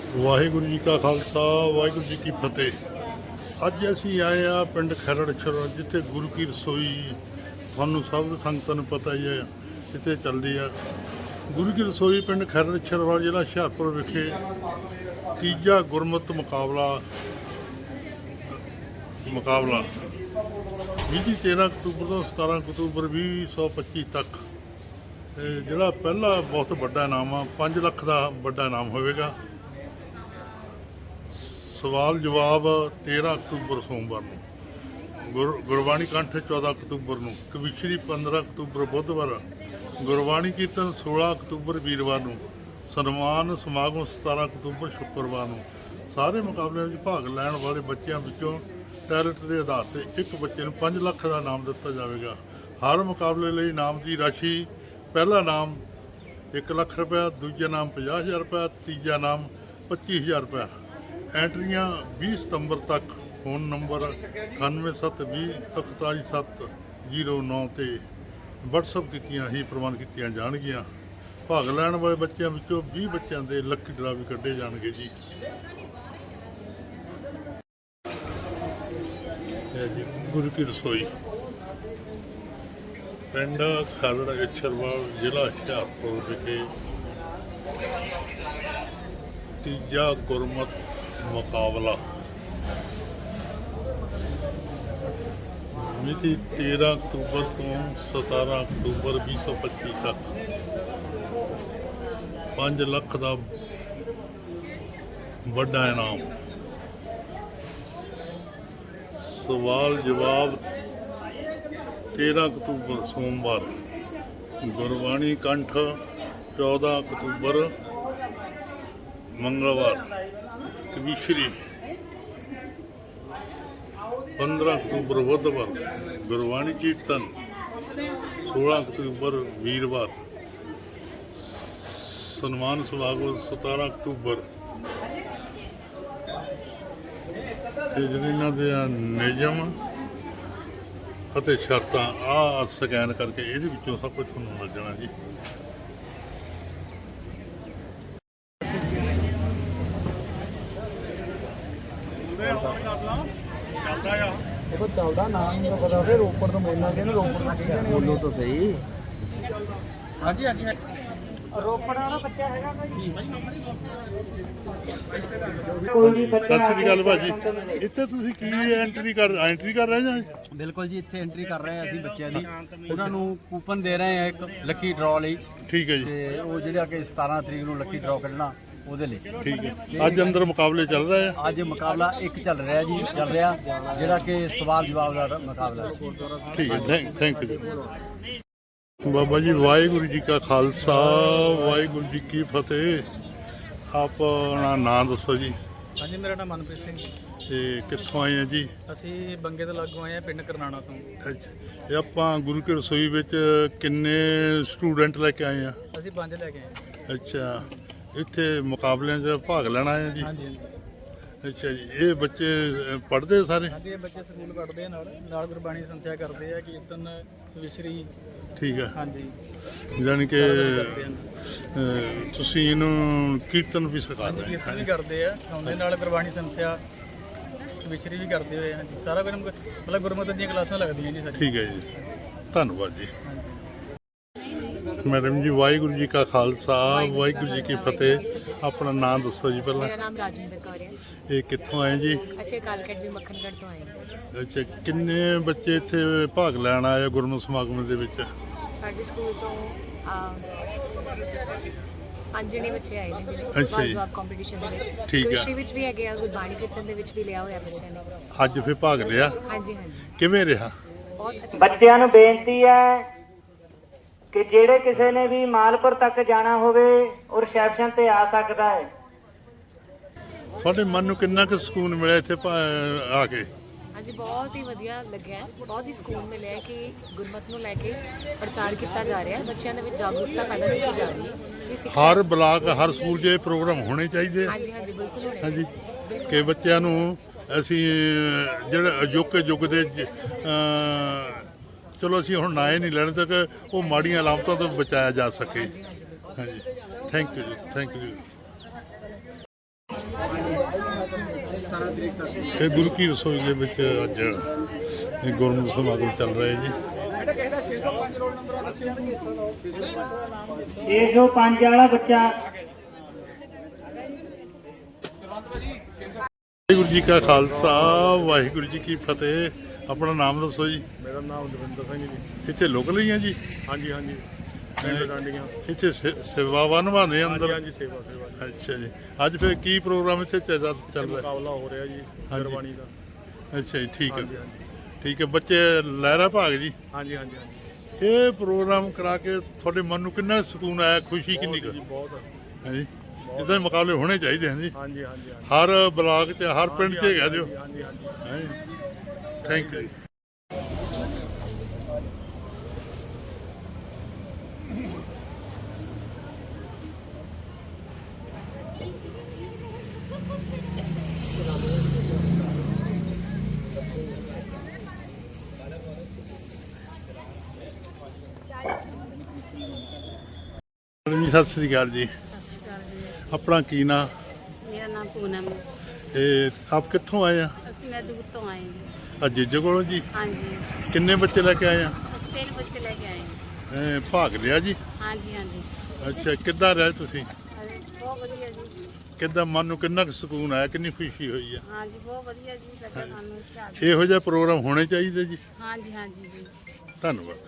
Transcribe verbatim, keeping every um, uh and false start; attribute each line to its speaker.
Speaker 1: ਵਾਹਿਗੁਰੂ ਜੀ ਕਾ ਖਾਲਸਾ ਵਾਹਿਗੁਰੂ ਜੀ ਕੀ ਫਤਿਹ। ਅੱਜ ਅਸੀਂ ਆਏ ਆ ਪਿੰਡ ਖਰੜਛੜ, ਜਿੱਥੇ ਗੁਰੂ ਕੀ ਰਸੋਈ ਤੁਹਾਨੂੰ ਸਭ ਸੰਗਤਾਂ ਨੂੰ ਪਤਾ ਹੀ ਹੈ ਕਿਤੇ ਚੱਲਦੀ ਆ। ਗੁਰੂ ਕੀ ਰਸੋਈ ਪਿੰਡ ਖਰੜਛੜ ਵਾਲਾ ਜ਼ਿਲ੍ਹਾ ਹੁਸ਼ਿਆਰਪੁਰ ਵਿਖੇ ਤੀਜਾ ਗੁਰਮਤਿ ਮੁਕਾਬਲਾ ਮੁਕਾਬਲਾ ਵੀਹ ਤੇਰ੍ਹਾਂ ਅਕਤੂਬਰ ਤੋਂ ਸਤਾਰ੍ਹਾਂ ਅਕਤੂਬਰ ਵੀਹ ਸੌ ਪੱਚੀ ਤੱਕ। ਜਿਹੜਾ ਪਹਿਲਾ ਬਹੁਤ ਵੱਡਾ ਇਨਾਮ ਆ, ਪੰਜ ਲੱਖ ਦਾ ਵੱਡਾ ਇਨਾਮ ਹੋਵੇਗਾ। ਸਵਾਲ ਜਵਾਬ ਤੇਰ੍ਹਾਂ ਅਕਤੂਬਰ ਸੋਮਵਾਰ ਨੂੰ, ਗੁਰ ਗੁਰਬਾਣੀ ਕੰਠ ਚੌਦ੍ਹਾਂ ਅਕਤੂਬਰ ਨੂੰ, ਕਵਿਸ਼ਰੀ ਪੰਦਰਾਂ ਅਕਤੂਬਰ ਬੁੱਧਵਾਰ, ਗੁਰਬਾਣੀ ਕੀਰਤਨ ਸੋਲ੍ਹਾਂ ਅਕਤੂਬਰ ਵੀਰਵਾਰ ਨੂੰ, ਸਨਮਾਨ ਸਮਾਗਮ ਸਤਾਰ੍ਹਾਂ ਅਕਤੂਬਰ ਸ਼ੁੱਕਰਵਾਰ ਨੂੰ। ਸਾਰੇ ਮੁਕਾਬਲਿਆਂ ਵਿੱਚ ਭਾਗ ਲੈਣ ਵਾਲੇ ਬੱਚਿਆਂ ਵਿੱਚੋਂ ਟੈਲੈਂਟ ਦੇ ਆਧਾਰ 'ਤੇ ਇੱਕ ਬੱਚੇ ਨੂੰ ਪੰਜ ਲੱਖ ਦਾ ਇਨਾਮ ਦਿੱਤਾ ਜਾਵੇਗਾ। ਹਰ ਮੁਕਾਬਲੇ ਲਈ ਇਨਾਮ ਦੀ ਰਾਸ਼ੀ: ਪਹਿਲਾ ਇਨਾਮ ਇੱਕ ਲੱਖ ਰੁਪਇਆ, ਦੂਜਾ ਇਨਾਮ ਪੰਜਾਹ ਹਜ਼ਾਰ ਰੁਪਇਆ, ਤੀਜਾ ਇਨਾਮ ਪੱਚੀ ਹਜ਼ਾਰ ਰੁਪਇਆ। ਐਂਟਰੀਆਂ ਵੀਹ ਸਤੰਬਰ ਤੱਕ ਫੋਨ ਨੰਬਰ ਅਠਾਨਵੇਂ ਸੱਤ ਵੀਹ ਇਕਤਾਲੀ ਸੱਤ ਜ਼ੀਰੋ ਨੌ 'ਤੇ ਵਟਸਐਪ ਕੀਤੀਆਂ ਹੀ ਪ੍ਰਵਾਨ ਕੀਤੀਆਂ ਜਾਣਗੀਆਂ। ਭਾਗ ਲੈਣ ਵਾਲੇ ਬੱਚਿਆਂ ਵਿੱਚੋਂ ਵੀਹ ਬੱਚਿਆਂ ਦੇ ਲੱਕੀ ਡਰਾ ਵੀ ਕੱਢੇ ਜਾਣਗੇ ਜੀ। ਜੀ ਗੁਰੂ ਕੀ ਰਸੋਈ ਪਿੰਡ ਖਰੜਛੜਵਾਲ ਜ਼ਿਲ੍ਹਾ ਹੁਸ਼ਿਆਰਪੁਰ ਵਿਖੇ ਤੀਜਾ ਗੁਰਮਤਿ ਮੁਕਾਬਲਾ ਮਿਤੀ ਤੇਰ੍ਹਾਂ ਅਕਤੂਬਰ ਤੋਂ ਸਤਾਰ੍ਹਾਂ ਅਕਤੂਬਰ ਵੀਹ ਸੌ ਪੱਚੀ ਤੱਕ। ਪੰਜ ਲੱਖ ਦਾ ਵੱਡਾ ਇਨਾਮ। ਸਵਾਲ ਜਵਾਬ ਤੇਰ੍ਹਾਂ ਅਕਤੂਬਰ ਸੋਮਵਾਰ, ਗੁਰਬਾਣੀ ਕੰਠ ਚੌਦ੍ਹਾਂ ਅਕਤੂਬਰ ਮੰਗਲਵਾਰ, ਕਵਿਸ਼ਰੀ ਪੰਦਰਾਂ ਅਕਤੂਬਰ ਬੁੱਧਵਾਰ, ਗੁਰਬਾਣੀ ਕੀਰਤਨ ਸੋਲ੍ਹਾਂ ਅਕਤੂਬਰ ਵੀਰਵਾਰ, ਸਨਮਾਨ ਸਮਾਗਮ ਸਤਾਰ੍ਹਾਂ ਅਕਤੂਬਰ। ਤੇ ਜਿਹੜੇ ਇਹਨਾਂ ਦੇ ਨਿਯਮ ਅਤੇ ਸ਼ਰਤਾਂ ਆਹ ਸਕੈਨ ਕਰਕੇ ਇਹਦੇ ਵਿੱਚੋਂ ਸਭ ਕੁਝ ਤੁਹਾਨੂੰ ਮਿਲ ਜਾਣਾ ਜੀ।
Speaker 2: ਉਹ ਚੱਲਦਾ ਨਾ ਨਹੀਂ ਪਤਾ ਫਿਰ ਰੋਪੜ ਤੋਂ ਬੋਲਣਾ ਕਿ ਰੋਪੜ ਤੋਂ ਕੀ ਬੋਲੋ ਤਾਂ ਸਹੀ। ਹਾਂਜੀ ਹਾਂਜੀ ਰੋਪੜ ਵਾਲਾ ਬੱਚਾ ਹੈਗਾ ਕੋਈ ਨਹੀਂ।
Speaker 1: ਸਤਿ ਸ੍ਰੀ ਅਕਾਲ ਭਾਜੀ, ਇੱਥੇ ਤੁਸੀਂ ਕੀ ਐਂਟਰੀ ਕਰ ਐਂਟਰੀ ਕਰ ਰਹੇ ਜਾਂ?
Speaker 2: ਬਿਲਕੁਲ ਜੀ, ਇੱਥੇ ਐਂਟਰੀ ਕਰ ਰਹੇ ਹਾਂ ਅਸੀਂ ਬੱਚਿਆਂ ਦੀ। ਉਹਨਾਂ ਨੂੰ ਕੂਪਨ ਦੇ ਰਹੇ ਹਾਂ ਇੱਕ ਲੱਕੀ ਡਰਾਅ ਲਈ।
Speaker 1: ਠੀਕ ਹੈ ਜੀ।
Speaker 2: ਤੇ ਉਹ ਜਿਹੜਾ ਕਿ ਸਤਾਰ੍ਹਾਂ ਤਰੀਕ ਨੂੰ ਲੱਕੀ ਡਰਾਅ ਕੱਢਣਾ ਉਹਦੇ ਲਈ।
Speaker 1: ਠੀਕ ਹੈ। ਅੱਜ ਅੰਦਰ ਮੁਕਾਬਲੇ ਚੱਲ ਰਹੇ ਆ?
Speaker 2: ਅੱਜ ਮੁਕਾਬਲਾ ਇੱਕ ਚੱਲ ਰਿਹਾ ਜੀ, ਚੱਲ ਰਿਹਾ ਜਿਹੜਾ ਕਿ ਸਵਾਲ ਜਵਾਬ ਦਾ ਮੁਕਾਬਲਾ ਸੀ।
Speaker 1: ਠੀਕ ਹੈ, ਥੈਂਕ ਥੈਂਕ ਯੂ ਬਾਬਾ ਜੀ। ਵਾਹਿਗੁਰੂ ਜੀ ਕਾ ਖਾਲਸਾ ਵਾਹਿਗੁਰੂ ਜੀ ਕੀ ਫਤਿਹ। ਆਪਣਾ ਨਾਂ ਦੱਸੋ ਜੀ।
Speaker 3: ਹਾਂਜੀ, ਮੇਰਾ ਨਾਮ ਮਨਪ੍ਰੀਤ ਸਿੰਘ ਜੀ।
Speaker 1: ਤੇ ਕਿੱਥੋਂ ਆਏ ਆ ਜੀ?
Speaker 3: ਅਸੀਂ ਬੰਗੇ ਤੋਂ ਲਾਗੋਂ ਆਏ ਆ, ਪਿੰਡ ਕਰਨਾਣਾ ਤੋਂ।
Speaker 1: ਅੱਛਾ, ਇਹ ਆਪਾਂ ਗੁਰੂ ਕੀ ਰਸੋਈ ਵਿੱਚ ਕਿੰਨੇ ਸਟੂਡੈਂਟ ਲੈ ਕੇ ਆਏ ਆ?
Speaker 3: ਅਸੀਂ ਪੰਜ ਲੈ ਕੇ ਆਏ।
Speaker 1: ਅੱਛਾ, ਇੱਥੇ ਮੁਕਾਬਲਿਆਂ 'ਚ ਭਾਗ ਲੈਣਾ ਆਏ ਜੀ?
Speaker 3: ਹਾਂਜੀ ਹਾਂਜੀ
Speaker 1: ਅੱਛਾ ਜੀ। ਇਹ ਬੱਚੇ ਪੜ੍ਹਦੇ ਸਾਰੇ?
Speaker 3: ਹਾਂਜੀ, ਇਹ ਬੱਚੇ ਸਕੂਲ ਪੜ੍ਹਦੇ ਆ, ਨਾਲ ਨਾਲ ਗੁਰਬਾਣੀ ਸੰਥਿਆ ਕਰਦੇ ਆ, ਕੀਰਤਨ ਵਿਸ਼ਰੀ।
Speaker 1: ਠੀਕ ਹੈ।
Speaker 3: ਹਾਂਜੀ,
Speaker 1: ਜਾਣੀ ਕਿ
Speaker 3: ਕਰਦੇ ਆ।
Speaker 1: ਅਹ, ਤੁਸੀਂ ਇਹਨੂੰ ਕੀਰਤਨ ਵੀ ਸਿਖਾ
Speaker 3: ਹਾਂਜੀ,
Speaker 1: ਰਹੇ
Speaker 3: ਕੀਰਤਨ ਵੀ ਕਰਦੇ ਆ, ਸਿਖਾਉਂਦੇ ਨਾਲ ਗੁਰਬਾਣੀ ਸੰਥਿਆ ਵਿਸ਼ਰੀ ਵੀ ਕਰਦੇ ਹੋਏ ਆ। ਸਾਰਾ ਕੁਝ ਮਤਲਬ ਗੁਰਮਤਿ ਦੀਆਂ ਕਲਾਸਾਂ ਲੱਗਦੀਆਂ ਜੀ ਸਾਡੀ।
Speaker 1: ਠੀਕ ਹੈ ਜੀ, ਧੰਨਵਾਦ ਜੀ। ਮੈਡਮ ਜੀ, ਵਾਹਿਗੁਰੂ ਜੀ ਕਾ ਖਾਲਸਾ ਵਾਹਿਗੁਰੂ ਜੀ ਕੀ ਫਤਿਹ। ਆਪਣਾ ਨਾਮ ਦੱਸੋ ਜੀ ਪਹਿਲਾਂ।
Speaker 4: ਮੇਰਾ ਨਾਮ ਰਾਜਿੰਦਰ ਕੌਰ ਹੈ।
Speaker 1: ਇਹ ਕਿੱਥੋਂ ਆਏ ਜੀ?
Speaker 4: ਅਸੀਂ ਕਾਲਕਟ ਵੀ ਮੱਖਣਗੜ੍ਹ ਤੋਂ ਆਏ ਹਾਂ।
Speaker 1: ਅੱਛਾ, ਕਿੰਨੇ ਬੱਚੇ ਇੱਥੇ ਭਾਗ ਲੈਣ ਆਏ ਆ ਗੁਰਮਤਿ ਸਮਾਗਮ ਦੇ ਵਿੱਚ?
Speaker 4: ਸਾਡੇ ਸਕੂਲ ਤੋਂ ਅਹ, ਪੰਜ ਜਣੇ ਬੱਚੇ ਆਏ ਨੇ
Speaker 1: ਅੱਛਾ
Speaker 4: ਜਿਹੜੇ
Speaker 1: ਜੀ।
Speaker 4: ਸਵਾਲ ਜਵਾਬ ਕੰਪੀਟੀਸ਼ਨ ਦੇ ਵਿੱਚ।
Speaker 1: ਠੀਕ ਹੈ।
Speaker 4: ਕਵਿਸ਼ਰੀ ਵਿੱਚ ਵੀ ਹੈਗੇ ਆ, ਗੁਰਬਾਣੀ ਕੀਰਤਨ ਦੇ ਵਿੱਚ ਵੀ ਲਿਆ ਹੋਇਆ ਬੱਚਿਆਂ ਨੇ।
Speaker 1: ਅੱਜ ਫਿਰ ਭਾਗ ਲਿਆ?
Speaker 4: ਹਾਂਜੀ ਹਾਂਜੀ,
Speaker 1: ਕਿਵੇਂ ਰਿਹਾ?
Speaker 4: ਬਹੁਤ ਅੱਛਾ।
Speaker 5: ਬੱਚਿਆਂ ਨੂੰ ਬੇਨਤੀ ਹੈ ਕਿ ਜਿਹੜੇ ਕਿਸੇ ਨੇ ਵੀ ਮਾਲਪੁਰ ਤੱਕ ਜਾਣਾ ਹੋਵੇ ਉਹ ਰਿਸੈਪਸ਼ਨ ਤੇ ਆ ਸਕਦਾ ਹੈ।
Speaker 1: ਤੁਹਾਡੇ ਮਨ ਨੂੰ ਕਿੰਨਾ ਕੁ ਸਕੂਨ ਮਿਲਿਆ ਇੱਥੇ ਆ ਕੇ?
Speaker 4: ਹਾਂਜੀ, ਬਹੁਤ ਹੀ ਵਧੀਆ ਲੱਗਿਆ, ਬਹੁਤ ਹੀ ਸਕੂਨ ਮਿਲਿਆ ਕਿ ਗੁਰਮਤਿ ਨੂੰ ਲੈ ਕੇ ਪ੍ਰਚਾਰ ਕੀਤਾ ਜਾ ਰਿਹਾ, ਬੱਚਿਆਂ ਦੇ ਵਿੱਚ ਜਾਗਰੂਕਤਾ ਪੈਦਾ ਕੀਤੀ ਜਾ ਰਹੀ ਹੈ।
Speaker 1: ਹਰ ਬਲਾਕ ਹਰ ਸਕੂਲ 'ਚ ਇਹ ਪ੍ਰੋਗਰਾਮ ਹੋਣੇ ਚਾਹੀਦੇ।
Speaker 4: ਹਾਂਜੀ ਹਾਂਜੀ, ਬਿਲਕੁਲ ਹੋਣੇ
Speaker 1: ਹਾਂਜੀ,
Speaker 4: ਚਾਹੀਦੇ
Speaker 1: ਕਿ ਬੱਚਿਆਂ ਨੂੰ ਅਸੀਂ ਜਿਹੜੇ ਅਜੋਕੇ ਯੁੱਗ ਦੇ ਚਲੋ ਅਸੀਂ ਹੁਣ ਨਾ ਹੀ ਨਹੀਂ ਲੈਣ ਤੱਕ ਉਹ ਮਾੜੀਆਂ ਅਲਾਮਤਾਂ ਤੋਂ ਬਚਾਇਆ ਜਾ ਸਕੇ। ਹਾਂਜੀ, ਥੈਂਕ ਯੂ ਜੀ, ਥੈਂਕ ਯੂ।
Speaker 2: ਸਤਾਰਾਂ ਤਰੀਕ ਤੱਕ।
Speaker 1: ਇਹ ਗੁਰੂ ਕੀ ਰਸੋਈ ਦੇ ਵਿੱਚ ਅੱਜ ਇਹ ਗੁਰਮਤਿ ਸਮਾਗਮ ਚੱਲ ਰਿਹਾ ਜੀ।
Speaker 5: ਛੇ ਸੌ ਪੰਜ ਵਾਲਾ ਬੱਚਾ
Speaker 1: ਵਾਹਿਗੁਰੂ ਜੀ ਕਾ ਖਾਲਸਾ ਵਾਹਿਗੁਰੂ ਜੀ ਕੀ ਫਤਿਹ। ਆਪਣਾ ਨਾਮ ਦੱਸੋ ਜੀ।
Speaker 6: ਮੇਰਾ ਨਾਮ ਦਵਿੰਦਰ ਸਿੰਘ ਜੀ।
Speaker 1: ਇੱਥੇ ਲੋਕਲ ਹੀ ਆ ਜੀ?
Speaker 6: ਹਾਂਜੀ ਹਾਂਜੀ ਪਿੰਡ ਡਾਂਡੀਆਂ।
Speaker 1: ਇੱਥੇ ਸੇ- ਸੇਵਾਵਾਂ ਨਿਭਾਉਂਦੇ ਆ
Speaker 6: ਹਾਂਜੀ
Speaker 1: ਅੰਦਰ?
Speaker 6: ਹਾਂਜੀ ਸੇਵਾ ਸੇਵਾ ਜੀ।
Speaker 1: ਅੱਛਾ ਜੀ। ਅੱਜ ਫਿਰ ਕੀ ਪ੍ਰੋਗਰਾਮ ਇੱਥੇ ਚੱਲ ਚੱਲ ਰਿਹਾ?
Speaker 6: ਮੁਕਾਬਲਾ ਹੋ ਰਿਹਾ ਜੀ
Speaker 1: ਹਾਂਜੀ।
Speaker 6: ਗੁਰਬਾਣੀ ਦਾ।
Speaker 1: ਅੱਛਾ ਜੀ, ਠੀਕ ਹੈ
Speaker 6: ਹਾਂਜੀ ਹਾਂਜੀ
Speaker 1: ਠੀਕ ਹੈ। ਬੱਚੇ ਲਹਿਰਾ ਭਾਗ ਜੀ।
Speaker 6: ਹਾਂਜੀ ਹਾਂਜੀ ਹਾਂਜੀ
Speaker 1: ਇਹ ਪ੍ਰੋਗਰਾਮ ਕਰਾ ਕੇ ਤੁਹਾਡੇ ਮਨ ਨੂੰ ਕਿੰਨਾ ਸਕੂਨ ਆਇਆ, ਖੁਸ਼ੀ ਕਿੰਨੀ ਕੁ
Speaker 6: ਬਹੁਤ ਜੀ ਬਹੁਤ।
Speaker 1: ਹੈ ਜੀ? ਇਦਾਂ ਦੇ ਮੁਕਾਬਲੇ ਹੋਣੇ ਚਾਹੀਦੇ ਹਨ ਜੀ।
Speaker 6: ਹਾਂਜੀ ਹਾਂਜੀ ਹਾਂਜੀ
Speaker 1: ਹਰ ਬਲਾਕ 'ਚ ਹਰ ਪਿੰਡ 'ਚ ਹੈਗਾ ਦਿਓ।
Speaker 6: ਹਾਂਜੀ ਹਾਂਜੀ
Speaker 1: ਥੈਂਕ ਯੂ। ਜੀ ਸਤਿ ਸ੍ਰੀ ਅਕਾਲ ਜੀ।
Speaker 7: ਸਤਿ ਸ਼੍ਰੀ ਅਕਾਲ ਜੀ।
Speaker 1: ਆਪਣਾ ਕੀ ਨਾਂ?
Speaker 7: ਮੇਰਾ ਨਾਮ ਪੂਨਮ ਹੈ।
Speaker 1: ਤੇ ਆਪ ਕਿੱਥੋਂ ਆਏ ਆ?
Speaker 7: ਅਸੀਂ ਮੈਂ ਦੂਰ ਤੋਂ ਆਏ ਹਾਂ।
Speaker 1: ਅੱਜ ਜੀਜੇ ਕੋਲੋਂ ਜੀ।
Speaker 7: ਹਾਂਜੀ
Speaker 1: ਕਿੰਨੇ ਬੱਚੇ ਲੈ ਕੇ ਆਏ ਆ?
Speaker 7: ਅਸੀਂ ਤਿੰਨ ਬੱਚੇ ਲੈ ਕੇ ਆਏ ਹਾਂ।
Speaker 1: ਇਹ ਭਾਗ ਲਿਆ ਜੀ?
Speaker 7: ਹਾਂਜੀ ਹਾਂਜੀ
Speaker 1: ਅੱਛਾ, ਕਿੱਦਾਂ ਰਹੇ ਤੁਸੀਂ?
Speaker 7: ਹਾਂਜੀ, ਬਹੁਤ ਵਧੀਆ ਜੀ।
Speaker 1: ਕਿੱਦਾਂ ਮਨ ਨੂੰ ਕਿੰਨਾ ਕੁ ਸਕੂਨ ਆਇਆ, ਕਿੰਨੀ ਖੁਸ਼ੀ ਹੋਈ ਆ?
Speaker 7: ਹਾਂਜੀ ਬਹੁਤ ਵਧੀਆ ਜੀ। ਲੱਗਾ ਸਾਨੂੰ ਇਸ਼ਤਿਹਾਰ।
Speaker 1: ਇਹੋ ਜਿਹਾ ਪ੍ਰੋਗਰਾਮ ਹੋਣੇ ਚਾਹੀਦੇ ਜੀ।
Speaker 7: ਹਾਂਜੀ ਹਾਂਜੀ ਜੀ।
Speaker 1: ਧੰਨਵਾਦ।